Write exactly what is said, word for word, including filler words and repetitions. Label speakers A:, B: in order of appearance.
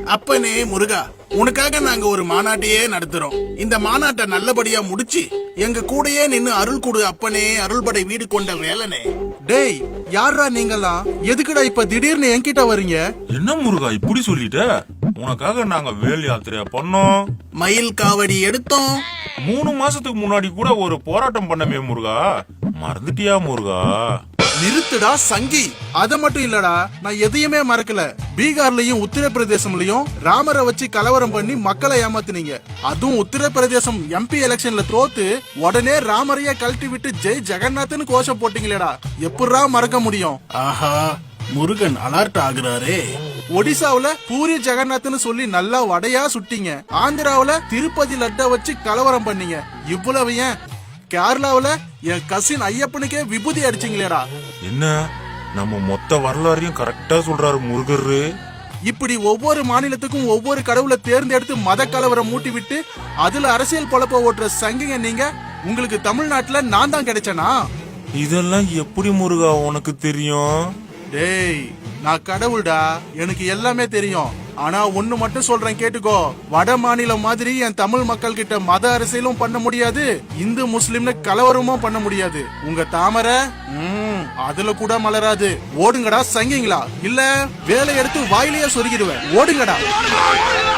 A: அப்பனே முருகா, உனக்காக நாங்க ஒரு மாநாட்டையே நடத்துறோம். இந்த மாநாட்டை நல்லபடியா முடிச்சு எங்க கூடயே நின்னு அருள் கொடு அப்பனே, அருள்படை வீடு கொண்ட வேலனே.
B: டேய், யாரா நீங்கலாம்? எதுக்குடா இப்ப திடீர்னு என்கிட்ட வரீங்க?
C: என்ன முருகா இப்படி சொல்லிட்ட? உனக்காக நாங்க வேல் யாத்திரையா பண்ணோம்,
A: மயில் காவடி எடுத்தோம்.
C: மூணு மாசத்துக்கு முன்னாடி கூட ஒரு போராட்டம் பண்ணமே முருகா, மறந்துட்டியா முருகா?
B: நிறுத்துடா சங்கி. அத மட்டும் இல்லடா, நான் எதையுமே மறக்கல. பீகார்லயும் உத்தரப்பிரதேசம்லயும் ராமரை வச்சு கலவரம் பண்ணி மக்களை ஏமாத்துனீங்க. அதுவும் உத்தரப்பிரதேசம் எம்பி எலெக்ஷன்ல தோத்து உடனே ராமரைய கழட்டி விட்டு ஜெய் ஜெகநாத்னு கோஷம் போட்டீங்களேடா, எப்படா மறக்க முடியும்?
A: ஆஹா, முருகன் அலர்ட் ஆகுறாரே.
B: ஒடிசாவுல பூரி ஜெகநாத்னு சொல்லி நல்லா வடையா சுட்டீங்க. ஆந்திராவுல திருப்பதி லட்ட வச்சு கலவரம் பண்ணீங்க. இவ்வளவு ஏன் கேரளாவுல என் கசின் ஐயப்பனுக்கே விபூதி அடிச்சீங்களேடா.
C: என்ன நம்ம மொத்த வரலாறையும் கரெக்டா சொல்றாரு முருகரு.
B: இப்படி ஒவ்வொரு மாநிலத்துக்கும் ஒவ்வொரு கடவுளை தேர்ந்தெடுத்து மத கலவரம் மூட்டி விட்டு அதுல அரசியல் பொழப்ப ஓட்டுற சங்கிங்க நீங்க. உங்களுக்கு தமிழ்நாட்டுல நான் தான் கிடைச்சனா?
C: இதெல்லாம் எப்படி முருகா உனக்கு தெரியும்?
B: டேய், நான் கடவுள்டா, எனக்கு எல்லாமே தெரியும். ஆனா ஒண்ணு மட்டும் சொல்றேன் கேட்டுக்கோ. வட மாநிலம் மாதிரி என் தமிழ் மக்கள் கிட்ட மத அரசியலும் பண்ண முடியாது, இந்து முஸ்லிம்னு கலவரமும் பண்ண முடியாது. உங்க தாமரை அதுல கூட மலராது. ஓடுங்கடா சங்கிங்களா, இல்ல வேலை எடுத்து வாயிலேயே சொருகிடுவேன். ஓடுங்கடா.